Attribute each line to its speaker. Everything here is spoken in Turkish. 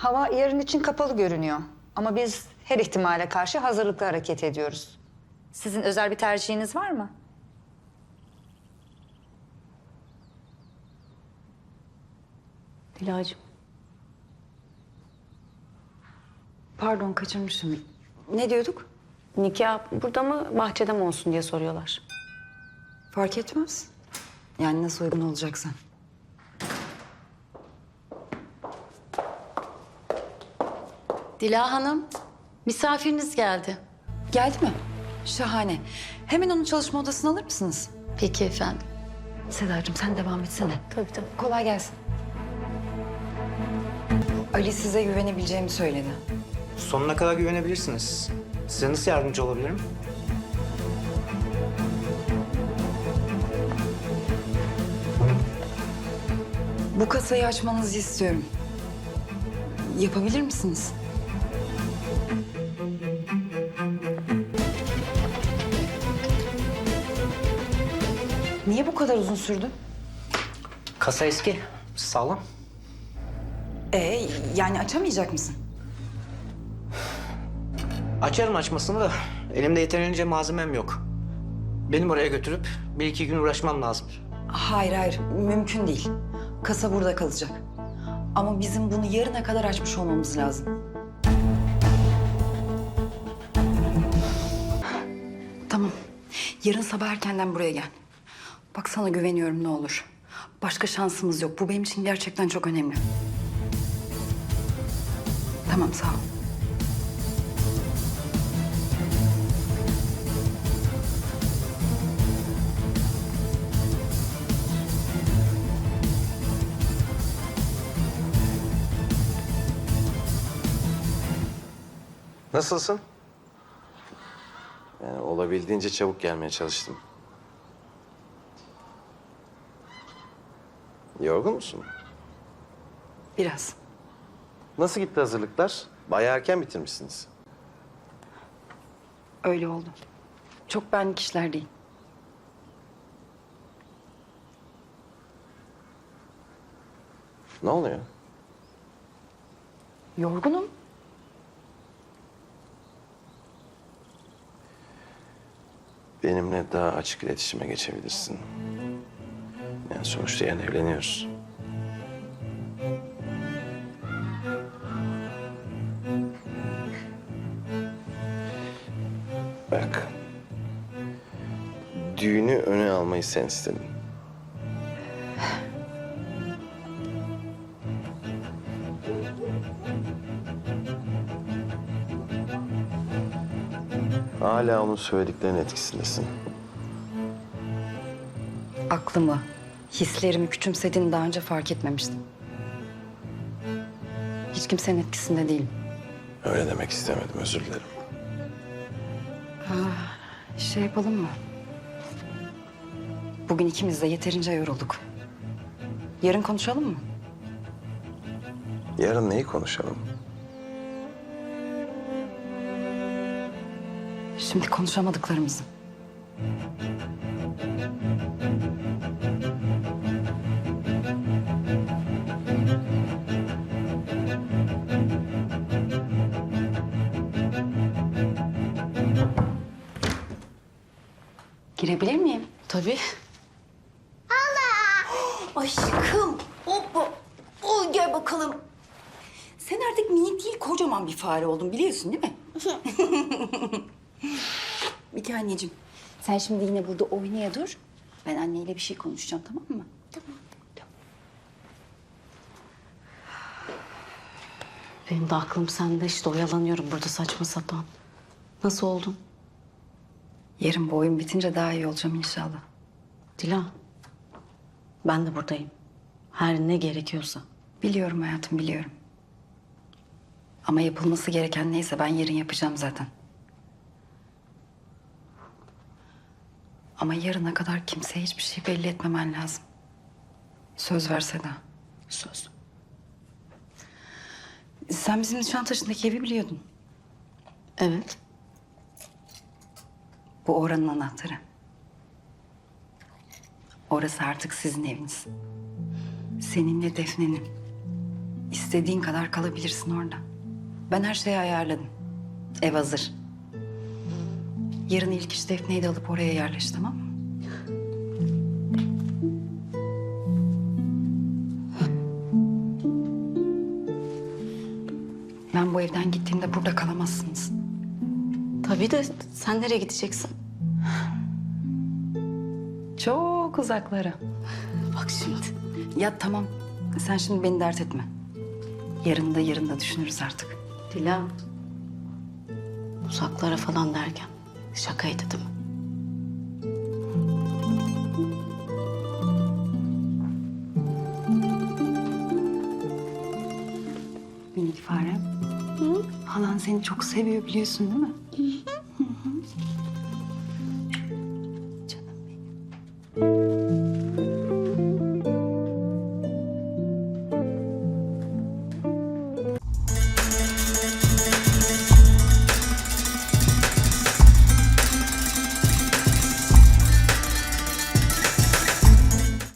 Speaker 1: Hava yarın için kapalı görünüyor. Ama biz her ihtimale karşı hazırlıklı hareket ediyoruz. Sizin özel bir tercihiniz var mı?
Speaker 2: Dilacığım.
Speaker 1: Pardon, kaçırmışım. Ne diyorduk?
Speaker 2: Nikah burada mı bahçede mi olsun diye soruyorlar.
Speaker 1: Fark etmez. Yani nasıl uygun olacaksa.
Speaker 3: Dila Hanım, misafiriniz geldi.
Speaker 1: Geldi mi? Şahane. Hemen onu çalışma odasına alır mısınız?
Speaker 3: Peki efendim.
Speaker 1: Sedacığım sen devam etsene.
Speaker 2: Tabii tabii.
Speaker 1: Kolay gelsin. Ali size güvenebileceğimi söyledi.
Speaker 4: Sonuna kadar güvenebilirsiniz. Size nasıl yardımcı olabilirim?
Speaker 1: Bu kasayı açmanızı istiyorum. Yapabilir misiniz? Niye bu kadar uzun sürdü?
Speaker 4: Kasa eski, sağlam.
Speaker 1: Yani açamayacak mısın?
Speaker 4: Açarım açmasını da elimde yeterince malzemem yok. Benim oraya götürüp bir iki gün uğraşmam lazım.
Speaker 1: Hayır, mümkün değil. Kasa burada kalacak. Ama bizim bunu yarına kadar açmış olmamız lazım. Tamam. Yarın sabah erkenden buraya gel. Bak sana güveniyorum, ne olur. Başka şansımız yok. Bu benim için gerçekten çok önemli. Tamam, sağ ol.
Speaker 5: Nasılsın? Yani olabildiğince çabuk gelmeye çalıştım. Yorgun musun?
Speaker 1: Biraz.
Speaker 5: Nasıl gitti hazırlıklar? Bayağı erken bitirmişsiniz.
Speaker 1: Öyle oldu. Çok benlik işler değil.
Speaker 5: Ne oluyor?
Speaker 1: Yorgunum.
Speaker 5: Benimle daha açık iletişime geçebilirsin. Yani sonuçta yarın evleniyoruz. Bak. Düğünü öne almayı sen istedin. Hala onun söylediklerinin etkisindesin.
Speaker 1: Aklımı, hislerimi küçümsediğini daha önce fark etmemiştim. Hiç kimsenin etkisinde değilim.
Speaker 5: Öyle demek istemedim, özür dilerim.
Speaker 1: Şey yapalım mı? Bugün ikimiz de yeterince yorulduk. Yarın konuşalım mı?
Speaker 5: Yarın neyi konuşalım?
Speaker 1: Şimdi konuşamadıklarımızı. Girebilir miyim?
Speaker 3: Tabii.
Speaker 1: Aşkım, hoppa. Oy, gel bakalım. Sen artık minik değil, kocaman bir fare oldun, biliyorsun değil mi? Bir anneciğim, sen şimdi yine burada oynaya dur. Ben anneyle bir şey konuşacağım, tamam mı? Tamam.
Speaker 2: Benim de aklım sende, işte oyalanıyorum burada saçma sapan. Nasıl oldun?
Speaker 1: Yarın bu oyun bitince daha iyi olacağım inşallah.
Speaker 2: Dila, ben de buradayım. Her ne gerekiyorsa.
Speaker 1: Biliyorum hayatım, biliyorum. Ama yapılması gereken neyse ben yarın yapacağım zaten. Ama yarına kadar kimseye hiçbir şey belli etmemen lazım. Söz ver Seda.
Speaker 2: Söz.
Speaker 1: Sen bizim Nişantaşı'ndaki evi biliyordun.
Speaker 2: Evet.
Speaker 1: Bu oranın anahtarı. Orası artık sizin eviniz. Seninle Defne'nin. İstediğin kadar kalabilirsin orada. Ben her şeyi ayarladım. Ev hazır. Yarın ilk iş Defne'yi de alıp oraya yerleş, tamam mı? Ben bu evden gittiğimde burada kalamazsınız.
Speaker 2: Tabii de sen nereye gideceksin?
Speaker 1: Çok uzaklara.
Speaker 2: Bak şimdi.
Speaker 1: Ya tamam, sen şimdi beni dert etme. Yarın da düşünürüz artık.
Speaker 2: Dila. Uzaklara falan derken şakaydı değil mi?
Speaker 1: Minik farem. Halan seni çok seviyor biliyorsun değil mi?